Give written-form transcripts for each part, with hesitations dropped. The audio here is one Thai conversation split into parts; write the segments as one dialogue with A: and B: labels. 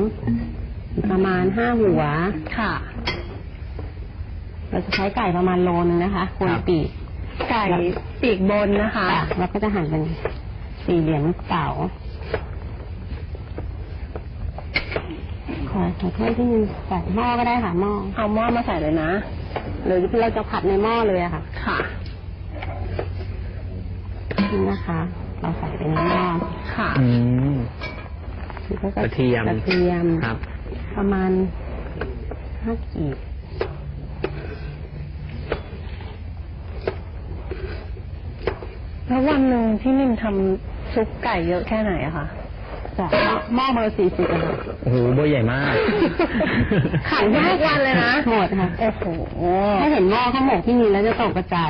A: ประมาณ5 หัว
B: ค่ะ
A: เราจะใช้ไก่ประมาณโลนึงนะคะคนปีก
B: ไก่ปีกบนนะคะ
A: แล้วก็จะหั่นเป็น4 เหลี่ยมลูกเต๋าขอโทษที่นึงใส่หม้อก็ได้ค่ะหม้อ
B: เอาหม้อมาใส่เลยนะ
A: หรือเราจะผัดในหม้อเลยอะค่ะ
B: ค่ะ
A: นี่นะคะเราใส่ไปในหม้อ
B: ค่ะ
C: กระเทียม
A: ครับประมาณ5 กีบ
B: แล้ววันหนึ่งที่นิ่มทำซุปไก่เยอะแค่ไหนอะคะ
A: จากหม้อเบอร์40อะค่ะ
C: โอ้โหเบอร์ใหญ่มาก
B: ขายได้ทุกวันเลยนะ
A: หมดค่ะ
B: โอ้โห
A: ถ้าเห็นหม้อข้าวหมกที่มีแล้วจะตกกระจาย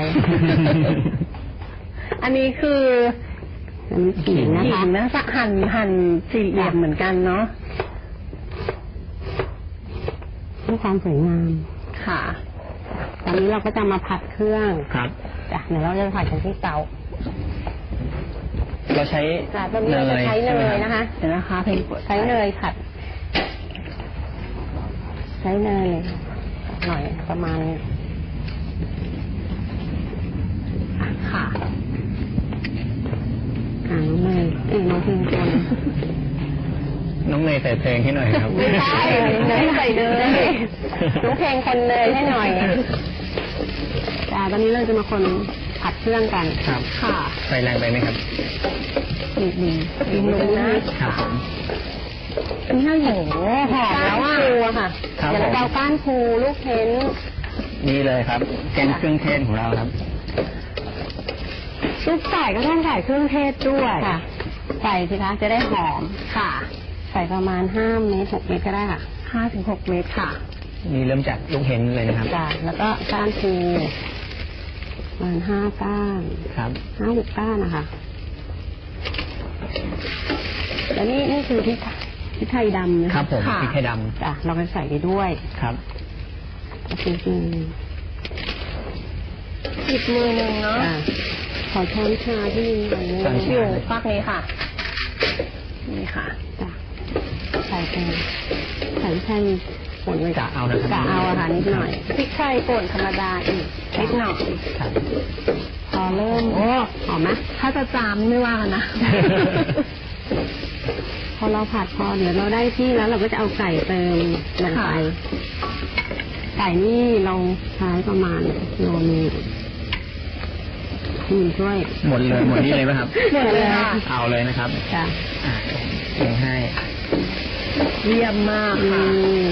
B: อันนี้คือ
A: ขิงนะคะ
B: หั่น4 เหลี่ยมเหมือนกันเนาะ
A: เพื่อความสวยงาม
B: ค่ะ
A: ตอนนี้เราก็จะมาผัดเครื่อง
C: ครับ
A: จ้ะเดี๋ยวเราจะผัดกันที่เตา
C: เราใช้
A: เนยใช้เนยนะคะ
B: เดี๋ยวนะคะ
A: ใช้เนยผัดใช้เนยหน่อยประมาณ
B: ค่ะ
A: น้องเนยน้องเพลงคน
C: น้องเนยใส่เพลงให้หน่อยครับ
A: ไม่ใช่เนยใส่เนยน้องเพลงคนเนยให้หน่อยจ้าตอนนี้เราจะมาคนผัดเครื่องกัน
C: ครับ
B: ค่ะ
C: ไฟแรงไปไหมครับ
A: ดีลง
C: นะครับผม
A: นี่ให้โหหอมแล้วอ่ะปูค่ะเดี๋ยวเราก้านปูลูกเพ้น
C: นี่เลยครับแกงเครื่องเทศของเราครับ
A: ซุปไก่ก็ต้องใส่เครื่องเทศด้วยค่ะใส่สิคะจะได้หอม
B: ค่ะ
A: ใส่ประมาณ5 เม็ด6 เม็ดก็ได้ค่ะ
B: 5 ถึง 6 เม็ดค่ะ
C: นี่เริ่มจากลูกเห็นเลยนะครับ
A: จ้ะแล้วก็ก้านปูประมาณ5 ก้าน
C: ครับ
A: 5 6 ก้านนะคะแล้วนี่คือพริกไทยดำ
C: นะครับผมพริกไทยดำ
A: จ้ะเราไปใส่ไปด้วย
C: ครับ
A: จริง
B: อีกมือหนึ่งเนาะ
A: ขอช้อนชาที่
B: อยู่ฟักนี้ค่ะนี่ค่ะ
A: จ้ะใส่ไปใส่ไทยป่นไว้
C: กะเอานะครับ
A: กะเอาค่ะนิดหน่อย
B: พริกไทยป่นธรรมดาอีกนิดหน่อย
A: พอเริ่มหอมไหม
B: ถ้าจะจามไม่ว่ากันนะ
A: พอเราผัดพอเดี๋ยวเราได้ที่แล้วเราก็จะเอาไก่เติมลงไปไก่นี่เราใช้ประมาณโลนึงช่วย
C: หมดนี่เลยไหมครับ
A: หมดเลย
C: เอาเลยนะครับ
A: จ้ะ
C: เองให้
B: เยี่ยมมากค่ะ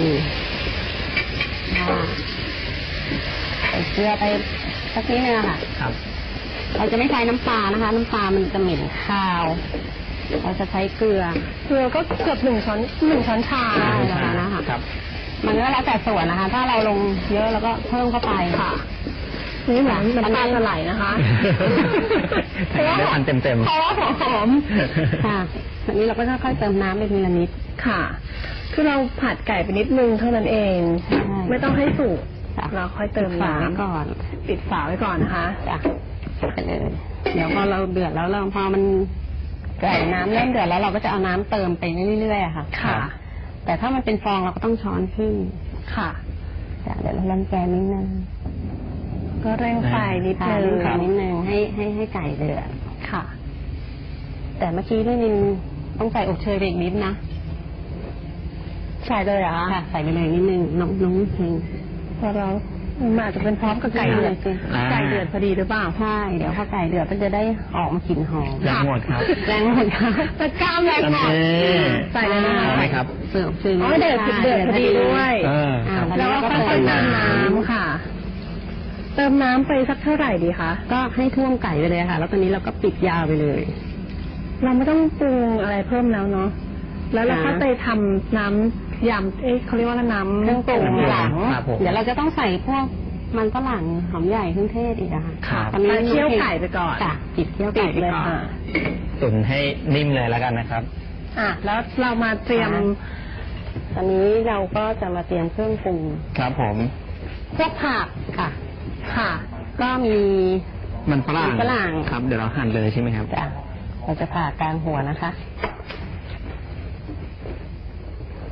A: ใส่เกลือไปสักนิดนึงค่ะ
C: ครับ
A: เราจะไม่ใช้น้ำปลานะคะน้ำปลามันจะเหม็นคาวเราจะใช้เกลือ
B: ก็เกือบ1 ช้อนชา
A: ได้แล้วนะคะ
C: ครับ
A: มันก็แล้วแต่ส่วนนะคะถ้าเราลงเยอะแล้วก็เพิ่มเข้าไป
B: ค่ะนี่เหมือนน้ำตาลจะไหลนะคะ
C: เพราะว่าเต็ม
B: เพราะว่าหอม
A: ค่ะทีนี้เราก็ค่อยๆเติมน้ำไปทีละนิด
B: ค่ะคือเราผัดไก่ไปนิดนึงเท่านั้นเองไม่ต้องให้สุกเราค่อยเติมน้ำ
A: ก่อน
B: ปิดฝาไว้ก่อนนะคะ
A: จ้ะไปเลยเดี๋ยวพอเราเดือดแล้วพอมันไก่น้ำเริ่มเดือดแล้วเราก็จะเอาน้ำเติมไปเรื่อยๆค่ะ
B: ค่ะ
A: แต่ถ้ามันเป็นฟองเราก็ต้องช้อนขึ้น
B: ค่ะ
A: เดี๋ยวเราลังแกนิดนึง
B: ก็เร่งไฟนิด
A: นึงให้ไก่เดือด
B: ค่ะ
A: แต่เมื่อกี้ด้วยนินต้องใส่อบเชยไปอีกนิดนะ
B: ใส่เลยเหรอ
A: ค่ะใส่ไปเลยนิดนึงน้องเพลง
B: พอเราอาจจะเป็นพร้อมกับไก่เดือดไก่เดือดพอดีหรือเปล่า
A: ใช่เดี๋ยวพอไก่เดือดก็จะได้ออกมากลิ่นหอม
C: แรงหมดครับ
A: แรงหมดครับ
B: ตะก้ามแรงหมดใส่เลย
C: นะครับ
A: เสิร์ฟซื้อ
B: เดือดพอดีด้วยแล้วก็ค่อยๆเติมน้ำค่ะเติมน้ำไปสักเท่าไหร่ดีคะ
A: ก็ให้ท่วมไก่ไปเลยค่ะแล้วตอนนี้เราก็ปิดยาวไปเลย
B: เราไม่ต้องปรุงอะไรเพิ่มแล้วเนาะแล้วเราก็ไปทำน้ำยำเขาเรียกว่าน้ำ
A: เครื่องปรุงหลังเดี๋ยวเราจะต้องใส่พวกมันฝรั่งหอมใหญ่เครื่องเทศอีกอะ
C: ค่ะ
A: ตอนนี้
B: เคี่ยวไก่ไปก่อน
A: ปิดเคี่ยวไก่ไปก่อน
C: ตุ๋นให้นิ่มเลยแล้วกันนะครับ
B: แล้วเรามาเตรียม
A: ตอนนี้เราก็จะมาเตรียมเครื่องปรุง
C: ครับผม
A: พวกผักค่ะก็มี
C: มันฝรั่งครับเดี๋ยวเราหั่นเลยใช่ไหมครับ
A: จ้ะเราจะผ่ากลางหัวนะคะ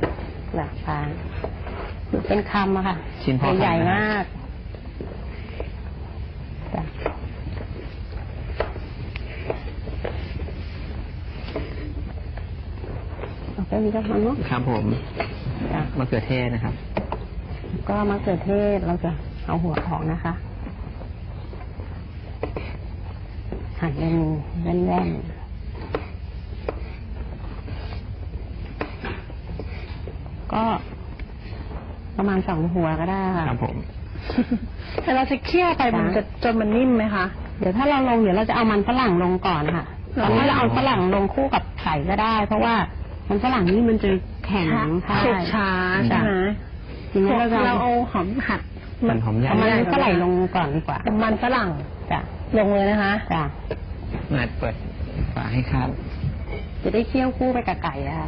A: แบบปลาเป็นคำอะค่ะ
C: ชิ้นพอ
A: ใหญ่
C: คำนะ
A: มากจ้ะเอาไปมีกระมังเนาะ
C: ครับผม
A: จ้ะ
C: มะเขือเทศนะครับ
A: ก็มะเขือเทศเราจะเอาหัวออกนะคะหั่นเป็นแว่นๆก็ประมาณ2 หัวก็ได้ค่ะ
C: ครับผม
B: แต่เราจะเคี่ยวไปมันจะจนมันนิ่มไหมคะ
A: เดี๋ยวถ้าเราลงเดี๋ยวเราจะเอามันฝรั่งลงก่อนค่ะตอนนี้เราเอาฝรั่งลงคู่กับไข่ก็ได้ เพราะว่ามันฝรั่งนี่มันจะแข็งค่ะ
B: สุกช้าใช่ไหม
A: ทีนี้เราจะ
B: เราเอาหอมหัด
C: มันหอมใหญ่
A: เอามันฝรั่งลงก่อนดีกว่า
B: มันฝรั่ง
A: จ้ะ
B: ลงเลยนะคะ
A: จ้ะ
C: มาเปิดฝาให้ครับ
A: จะได้เคี่ยวคู่ไปกับไก่อะค่ะ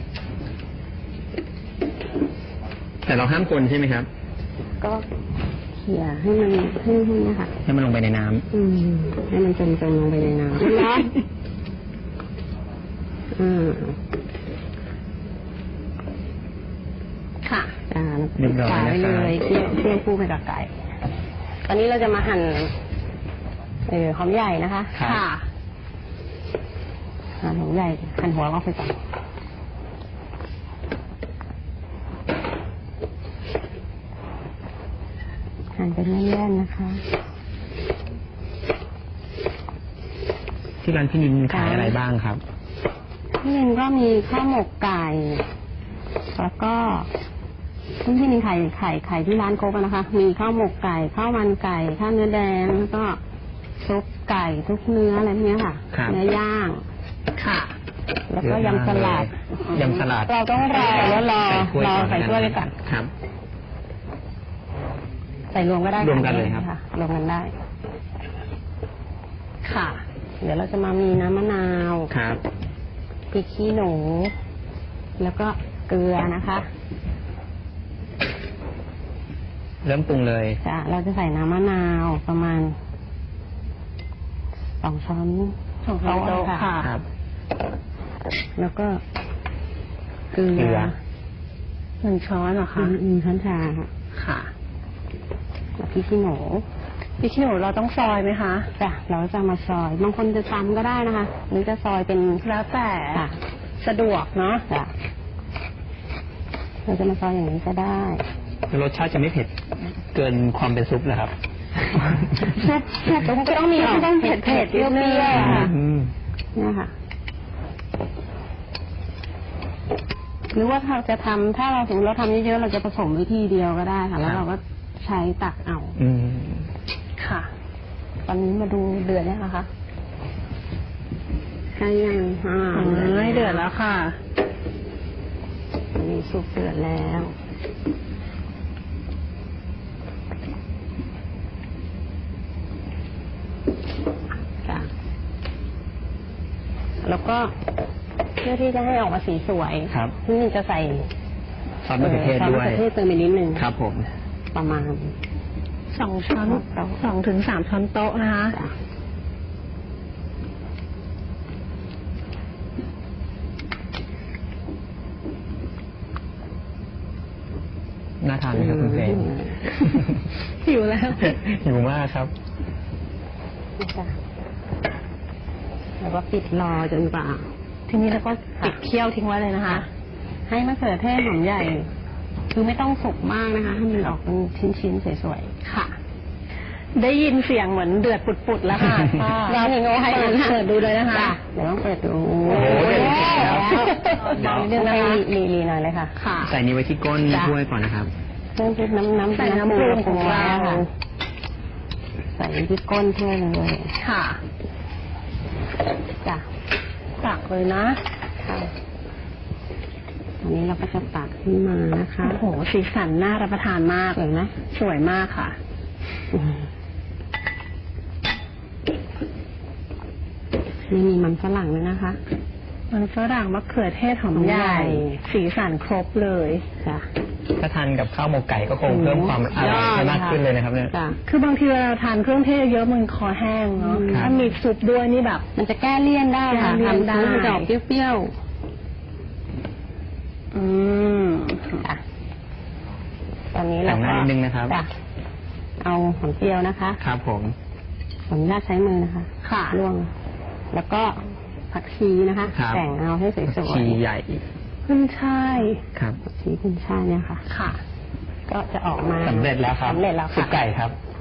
C: แต่เราห้ามคนใช่ไหมครับ
A: ก็เขี่ยให้มันให้นะคะ
C: ให้มันลงไปในน้ำ
A: ให้มันจมลงไปในน้ำร้อน
B: ค่ะ
C: เรียบร้อย
A: ฝา
C: นะ
A: ไว้
C: ค
A: เล
C: รับ
A: ยเคี่ยวคู่ไปกับไก่ ตอนนี้เราจะมาหั่นหอมใหญ่นะคะ
C: ครับ
B: ค่ะ
A: หั่นหอมใหญ่หั่นหัวออกไปก่อนหั่นเป็นแว่นๆนะคะ
C: ที่ร้านพี่นินขายอะไรบ้างครับ
A: พี่นินก็มีข้าวหมกไก่ แล้วก็พี่นินไข่ที่ร้านโคกนะคะ มีข้าวหมกไก่ข้าวมันไก่ข้าวเนื้อแดงแล้วก็ซุปไก่ทุกเนื้ออะไรพวกนี้ค่ะ
C: ครับ
A: เนื้อย่าง
B: ค่ะ
A: แล้วก็ยำสลัด
C: ยำสลัด
A: เราต้องรอแล้วรอใส่ถ้วยไปก่อน
C: ครับ
A: ใส่รวมก็ได้
C: รวมกันเลยครับ
A: ะรวมกันได้
B: ค่ะ
A: เดี๋ยวเราจะมามีน้ำมะนาว
C: ครับ
A: พริกขี้หนู แล้วก็เกลือนะคะ
C: เริ่มปรุงเลย
A: เราจะใส่น้ำมะนาวประมาณ2 ช้อน
B: 2 ช้อนโต๊ะค่ะ
C: ครับ
A: แล้วก็เกลื
C: เกลื
A: อ
B: 1 ช้อนเหรอคะ
A: ช้อนชาค่ะ
B: ค่ะ
A: แล้วพริกขี้หนู
B: พริกขี้หนูเราต้องซอยไหมคะ
A: จ้ะเราจะมาซอยบางคนจะตำก็ได้นะคะ หรือจะซอยเป็น
B: แล้วแต่
A: ค่ะ
B: สะดวกเนาะ
A: จ้ะเราจะมาซอยอย่างนี้ก็ได้
C: รสชาติจะไม่เผ็ดเกินความเป็นซุปนะครับ
A: แต่มันก็ต้องมีออกเผ็ดเปรี้ยวๆค่ะ
C: อืม
A: เนี่ยค่ะ หรือว่าเราจะทำถ้าเราสมมติเราทำเยอะๆเราจะผสมไว้ทีเดียวก็ได้ค่ะ แล้วเราก็ใช้ตักเอา
C: อืม
B: ค่ะ
A: ตอนนี้มาดูเดือดแล้วนะคะใช่ยัง
B: เดือดแล้วค่ะ
A: อันนี้สุกเดือดแล้วจ้ะแล้วก็เพื่อที่จะให้ออกมาสีสวย
C: ครับ
A: ที่นี่จะใส่
C: ซอสมะเขือเทศ
A: ซอส
C: ด้
A: มะ
C: วย
A: เขือเทศเติมไปนิดนึง
C: ครับผม
A: ประมาณ
B: 2 ช้อน 2 ถึง 3 ช้อนโต๊ะนะคะ
A: จ้ะ
C: น่าทานไหมครับคุณเฟรน
B: หิวแล้ว
C: หิวมากครับ
A: จ้ะแล้วก็ปิดรอจนกว่า
B: ทีนี้เราก็ปิดเคี่ยวทิ้งไว้เลยนะคะ
A: ให้มะเขือเทศหอมใหญ่ คือไม่ต้องสุกมากนะคะ ให้มันออกเป็นชิ้นๆสวย
B: ค่ะ ได้ยินเสียงเหมือนเดือดปุดๆแล้วค่ะ
A: ๆเราเห็นโอ้ให้
B: เปิดดูเลยนะคะ
A: จ้เดี๋ยวต้องเปิดดู
C: โอ้โหเดี๋ยว
A: เดี๋ยวนิดนึงนะคะรีหน่อยเลยค่ะ
B: ค่ะ
C: ใส่นี้ไว้ที่ก้น
A: จ้ะ
C: ถ้วยก่อนนะครับ
A: เพิ่มพริกน้ำ
B: ใส่น้ำปรุงของเรา
A: ค่ะใส่ที่ก้นถ้วยเลย
B: ค่ะ
A: จ้ะ
B: ตักเลยนะ
A: ค่ะอันนี้เราก็จะตักขึ้นมานะคะ
B: โอ้โห สีสันน่ารับประทานมาก
A: สวยไหม
B: สวยมากค่ะ
A: ไม่มีมันฝรั่งเลยนะคะ
B: มันฝรั่งมะเขือเทศหอมใหญ่ สีสันครบเลย
A: จ้ะ
C: ถ้าทานกับข้าวหมกไก่ก็คงเพิ่มความอร่อยให้มากขึ้นเลยนะครับเนี่ย
A: จ้ะ
B: คือบางทีเวลาเราทานเครื่องเทศเยอะมันคอแห้งเนาะ
A: ครับ
B: ถ้ามีซุปด้วยนี่แบบ
A: มันจะแก้เลี่ยนได้ค่ะ
B: แก้เลี่ยน
A: ทำ
B: ได้
A: มันจะออกเปรี้ยว
B: อืม
A: จ้ะตอนนี้
C: แต่
A: เรา
C: งห
A: ก็
C: น้านิดนึงนะครับ
A: จ้ะเอาหอมเจียวนะคะ
C: ครับผม
A: ขออนุญาตใช้มือนะคะ
B: ค่ะ
A: ล่วง แล้วก็ผักชีนะคะ
C: ครับ
A: แต่งเอาให้สวย
C: ชีใหญ่
B: ขึ้นช่าย
C: ครับ
A: ผักชีขึ้นช่ายเนี่ยค่ะ
B: ค่ะ
A: ก็จะออกมา
C: สำเร็จแล้วครับ
A: สำเร็จแล้ว
C: ซุป
A: ค่ะ
C: ไก่ครับ